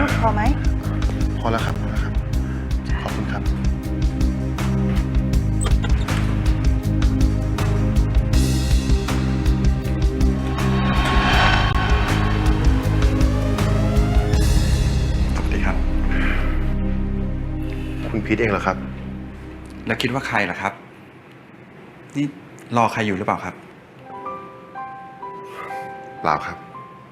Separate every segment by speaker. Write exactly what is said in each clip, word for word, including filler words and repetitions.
Speaker 1: พอไหม
Speaker 2: พอแล้วครับพอแล้วครับขอบคุณครับ
Speaker 3: สวัสดีครับ
Speaker 2: คุณพีทเองเหรอครับ
Speaker 3: แล้วคิดว่าใครล่ะครับนี่รอใครอยู่หรือเปล่าครับ
Speaker 2: เปล่าครับ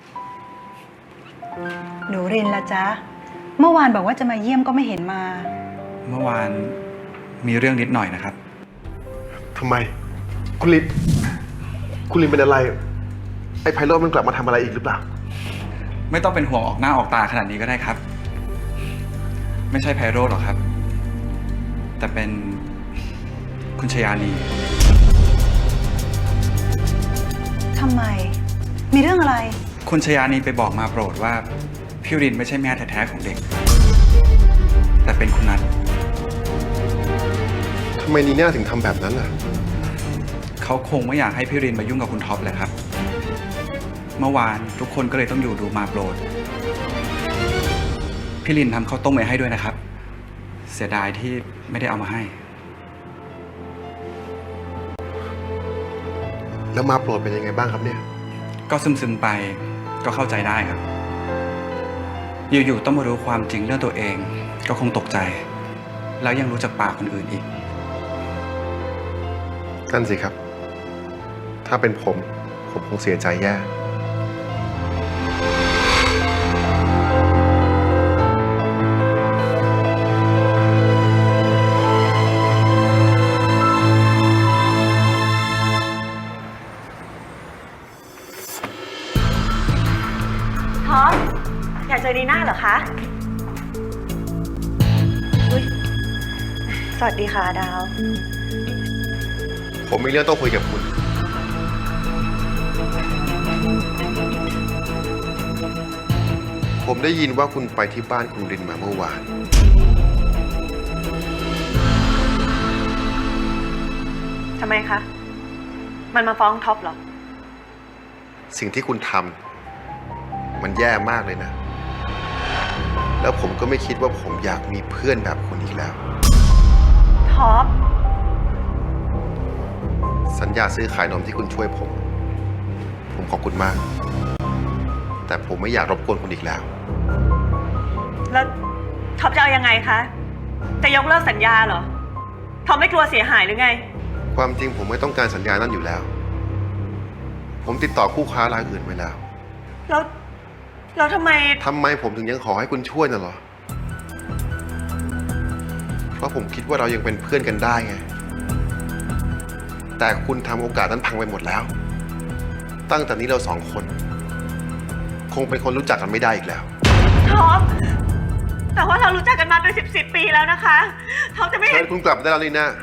Speaker 1: หนูรินละจ๊ะเมื่อวานบอกว่าจะมาเยี่ยมก็ไม่เห็นมา
Speaker 3: เมื่อวานมีเรื่องนิดหน่อยนะครับ
Speaker 2: ทำไมคุณลินคุณลินเป็นอะไรไอ้ไพโรจน์มันกลับมาทำอะไรอีกหรือเปล่า
Speaker 3: ไม่ต้องเป็นห่วงออกหน้าออกตาขนาดนี้ก็ได้ครับไม่ใช่ไพโรจน์หรอกครับแต่เป็นคุณชยานี
Speaker 1: ทำไมมีเรื่องอะไร
Speaker 3: คุณชยานีไปบอกมาโปรดว่าพี่รินไม่ใช่แม่แท้ๆของเด็กแต่เป็นคุณนัท
Speaker 2: ทำไมนีน่าถึงทำแบบนั้นล่ะ
Speaker 3: เขาคงไม่อยากให้พี่รินมายุ่งกับคุณท็อปเลยครับเมื่อวานทุกคนก็เลยต้องอยู่ดูมาโปรดพี่รินทำข้าวต้มไว้ให้ด้วยนะครับเสียดายที่ไม่ได้เอามาให้
Speaker 2: แล้วมาโปรดเป็นยังไงบ้างครับเนี่ย
Speaker 3: ก็ซึมๆไปก็เข้าใจได้ครับอยู่ๆต้องมารู้ความจริงเรื่องตัวเองก็คงตกใจแล้วยังรู้จักปากคนอื่นอีก
Speaker 2: นั่นสิครับถ้าเป็นผมผมคงเสียใจแย่
Speaker 4: ท็อปอยากเจอดีน่าเหรอคะอุ๊ยสวัสดีค่ะดาว
Speaker 2: ผมมีเรื่องต้องคุยกับคุณผมได้ยินว่าคุณไปที่บ้านคุณรินมาเมื่อวาน
Speaker 4: ทำไมคะมันมาฟ้องท็อปเหรอ
Speaker 2: สิ่งที่คุณทำมันแย่มากเลยนะแล้วผมก็ไม่คิดว่าผมอยากมีเพื่อนแบบคุณอีกแล้ว
Speaker 4: ท็อป
Speaker 2: สัญญาซื้อขายนมที่คุณช่วยผมผมขอบคุณมากแต่ผมไม่อยากรบกวนคุณอีกแล้ว
Speaker 4: แล้วท็อปจะเอายังไงคะจะยกเลิกสัญญาเหรอท็อปไม่กลัวเสียหายหรือไง
Speaker 2: ความจริงผมไม่ต้องการสัญญานั่นอยู่แล้วผมติดต่อคู่ค้ารายอื่นไว้แล้ว
Speaker 4: แล้วแล้วทำไม
Speaker 2: ทำไมผมถึงยังขอให้คุณช่วยน่ะเหรอเพราะผมคิดว่าเรายังเป็นเพื่อนกันได้ไงแต่คุณทำโอกาสนั้นพังไปหมดแล้วตั้งแต่นี้เราสองคนคงเป็นคนรู้จักกันไม่ได้อีกแล้ว
Speaker 4: ท็อปแต่ว่าเรารู้จักกันมาเป็นสิบสิบปีแล้วนะคะท็อปจะไม่เห็น
Speaker 2: คุณกลับได้แล้วนี่นะ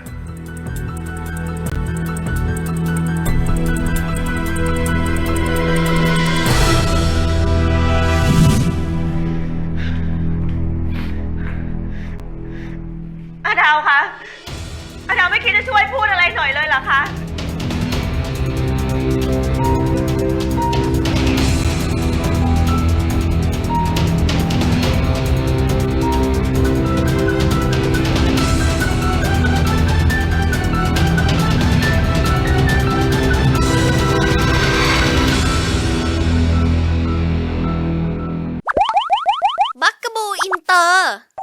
Speaker 4: อาดาวคะอาดาวไม่คิดจะช่วยพูดอะไรหน่อยเลยเหรอคะ
Speaker 5: บักกะบูอินเตอร์